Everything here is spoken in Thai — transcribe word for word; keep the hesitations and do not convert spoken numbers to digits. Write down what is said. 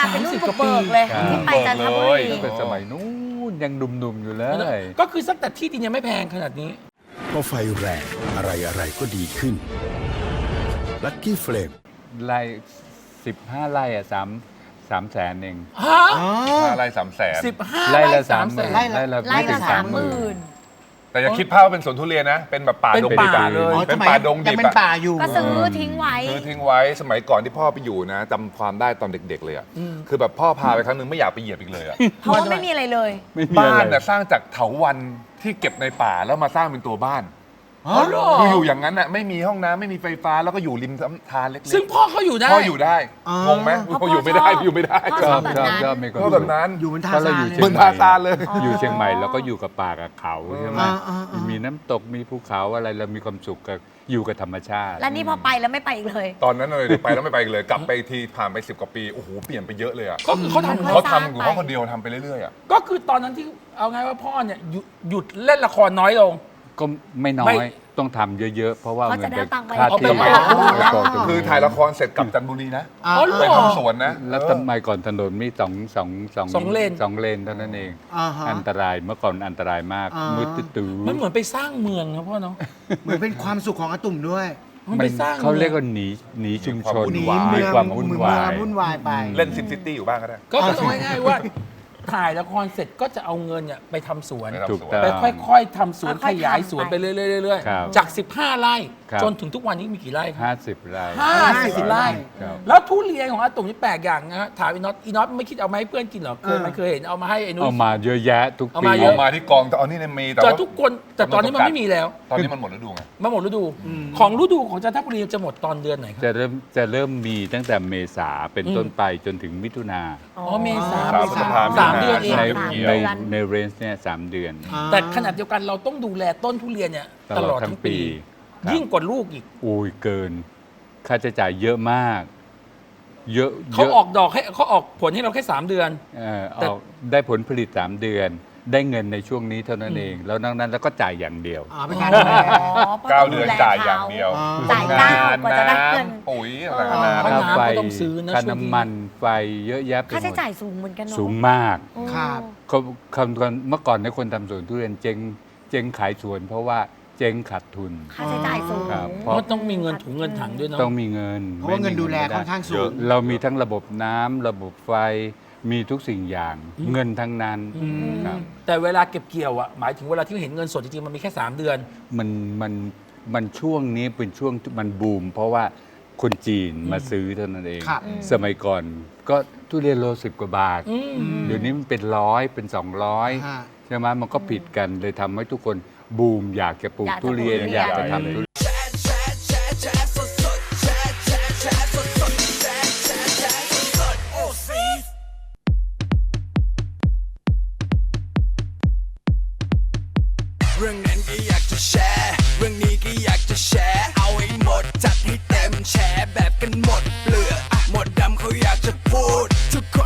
เป็นรุ่นบุกเบิกเลยที่ไปจันทบุรีตั้งแต่สมัยนู้นยังหนุ่มๆอยู่เลยก็คือสักแต่ที่ดินยังไม่แพงขนาดนี้พอไฟแรงอะไรอะไรก็ดีขึ้นลัคกี้เฟลมไร่สิบห้าไร่อะสามสามแสนเองฮะห้าไร่สามแสนสิบห้าไร่ไร่ละสาสาม มแสหมื่นนไร่ไร่ละไร่ไม่ถึละงสาสาม มหหมื่มื่นนแต่อย่าคิดภาพว่าเป็นสวนทุเรียนนะ เป็นแบบป่าเป็นดงป่าดิบอะเลยเป็นป่าดงดิยังบเป็นอะป่าอยู่ก็ซื้อทิ้งไว้คือทิ้งไว้สมัยก่อนที่พ่อไปอยู่นะจำความได้ตอนเด็กๆเลยอะคือแบบพ่อพาไปครั้งนึงไม่อยากไปเหยียบอีกเลยอะเพราะว่าไม่มีอะไรเลยไม่มีบ้าอะไรนน่ะสร้างจากเถาวัลย์ที่เก็บในป่าแล้วมาสร้างเป็นตัวบ้านอ๋อเหรอคืออยู่อย่างนั้นน่ะไม่มีห้องน้ำไม่มีไฟฟ้าแล้วก็อยู่ริมลำธารเล็กๆซึ่งพ่อเขาอยู่ได้พ่ออยู่ได้อ๋องงไหมเพราะพ่ออยู่ไม่ได้พ่อชอบอยู่ไม่ได้พ่อชชออบบแบบชอบนั้นชอบมีความก็แบบนั้นอยู่บนท่าเพราะเราซาอยู่นเชีเหมืยอนงใหทาม่ซานเลยอยู่เชียงใหม่เราก็อยู่กับป่ากับเขาใช่ไหมอ่าอ่าอ่ามีน้ำตกมีภูเขาอะไรเรามีความสุขกับอยู่กับธรรมชาติแล้วนี่พอไปแล้วไม่ไปอีกเลยตอนนั้นเลยไปแล้วไม่ไปอีกเลยกลับไปอีกทีผ่านไปสิบกว่าปีโอ้โหเปลี่ยนไปเยอะเลยอ่ะก็คือเขาทำค่อยเขาสร้างทำของไปเขาคนเดียวทำไปเรื่อยๆอ่ะก็คือตอนนั้นที่เอาไงว่าพ่อเนี่ยหยุดหยุดเล่นละครน้อยลงก็ไม่น้อไม่ยต้องทำเยอะๆ เพราะว่าเขาเงิจะนได้จะตังค์ไปค่าเอาไปที่ไว้แล้วก็ตรงคือถ่ายละครเสร็จกลับจันทบุรีนะอ่าอ๋อเหรอไปทำสวนนะแล้วทำไมก่อนถนนมีสองสองสองสองเลนสองเลนเท่านั้นเองอ่าฮะอันตรายเมื่อก่อนอันตรายมากอ่ามืมืดตื้อมันเหมือนไปสร้างเมืองนะพ่อเนาะเหมือนเป็นความสุขของอาตุ่มด้วยมันมัไปนสร้างเขาเรียกมืองว่าหนีหนีชุมชนหนีวุ่นวายเมืมีองความวุ่นเมืองวายวุ่นวายไปเล่นซิมซิตี้อยู่บ้างก็ได้ก็คือเอาง่ายๆว่า ถ่ายละครเสร็จก็จะเอาเงินเนี่ยไปทำสวนไปทำถูกสวนต้องไปค่อยๆทำสวนค่ขอยๆยายทำสวนไปไปเรื่อยครับๆ จาก สิบห้า ไร่ครับจนถึงทุกวันนี้มีกี่ไร่ครับห้าสิบไร่ห้าสิบไร่ครับแล้วทุเรียนของอาตุ่มนี่แปลกอย่างนะฮะถามอีน็อตอีน็อตไม่คิดเอามาให้เพื่อนกินเหรอเคยมันเคยเห็นเอามาให้ไอ้นุ้เอายมาเยอะแยะทุกเอาปีมาเยเอาอะมาที่กองแต่เอานี่เนี่ยมีแต่แต่ว่าทุกคนแต่ตอนนี้มันไม่มีแล้วตอนนี้มันหมดฤดูไงมาหมดฤดู ของฤดูของจันทบุรีจะหมดตอนเดือนไหนครับจะเริ่มจะเริ่มมีตั้งแต่เมษาเป็นต้นไปจนถึงมิถุนาอ๋อเมษาสามพฤษภาสามเดือนเองในสามในเดือนในเรนจ์เนี่ยสามเดือนแต่ขนาดเดียวกันเราต้องดูแลต้นทุเรียนเนี่ยตลอดทั้งปีครับยิ่งกว่าลูกอีกโอ้ยเกิน ค่าใช้จ่ายเยอะมาก เยอะเขายะออกดอกให้เขาออกผลให้เราแค่สามเดือนเออแต่ออกได้ผลผลิตสามเดือน ได้เงินในช่วงนี้เท่านั้นเอง แล้วนอกนั้นแล้วก็จ่ายอย่างเดียวอ่าเป็นการดูแลเก้าเดือนจ่ายอย่างเดียวอ๋อจ่ายเก้ากว่าจะได้เงินำปุ๋ยต่างๆนาค่านาน้ำก็ต้องซื้อนะค่าช่วงนี้น้ำมันไฟเยอะแยะไปหค่าใช้มดจ่ายสูงเหมือนกันเนาะสูงมากอืมครับเขาคำก่อนเมื่อก่อนในยคนทำสวนทุเรียนเจ๊งเจ๊งขายสวน เพราะว่าเจ๊งขาดทุนค่าใช้จ่ายสูงครับเพราะต้องมีเงินถุงเงินถังด้วยเนาะต้องมีเงินเพราะว่าเงินดูแลค่อนข้างสูงเรามีทั้งระบบน้ำระบบไฟมีทุกสิ่งอย่างเงินทั้งนั้นครับแต่เวลาเก็บเกี่ยวอ่ะหมายถึงเวลาที่เห็นเงินสดจริงๆมันมีแค่สามเดือนมันมันมันช่วงนี้เป็นช่วงที่มันบูม เพราะว่าคนจีนมาซื้อเท่านั้นเองครับสมัยก่อนก็ทุเรียนโลสิบกว่าบาทอืมเดี๋ยวนี้มันเป็นร้อยเป็นสองร้อยฮะใช่ไหมมันก็ผิดกันเลยทำให้ทุกคนบูมอยากจะปลูกอยากจะทุเรียนปลูกทุเรียนอยากจะทำทุเรียนเรื่องนั้นก็อยากจะแชร์ เรื่องนี้ก็อยากจะแชร์ เอาให้หมดจัดให้เต็มแชร์แบบกันหมดเปลือกอะหมดดำเขาอยากจะพูด ทุกค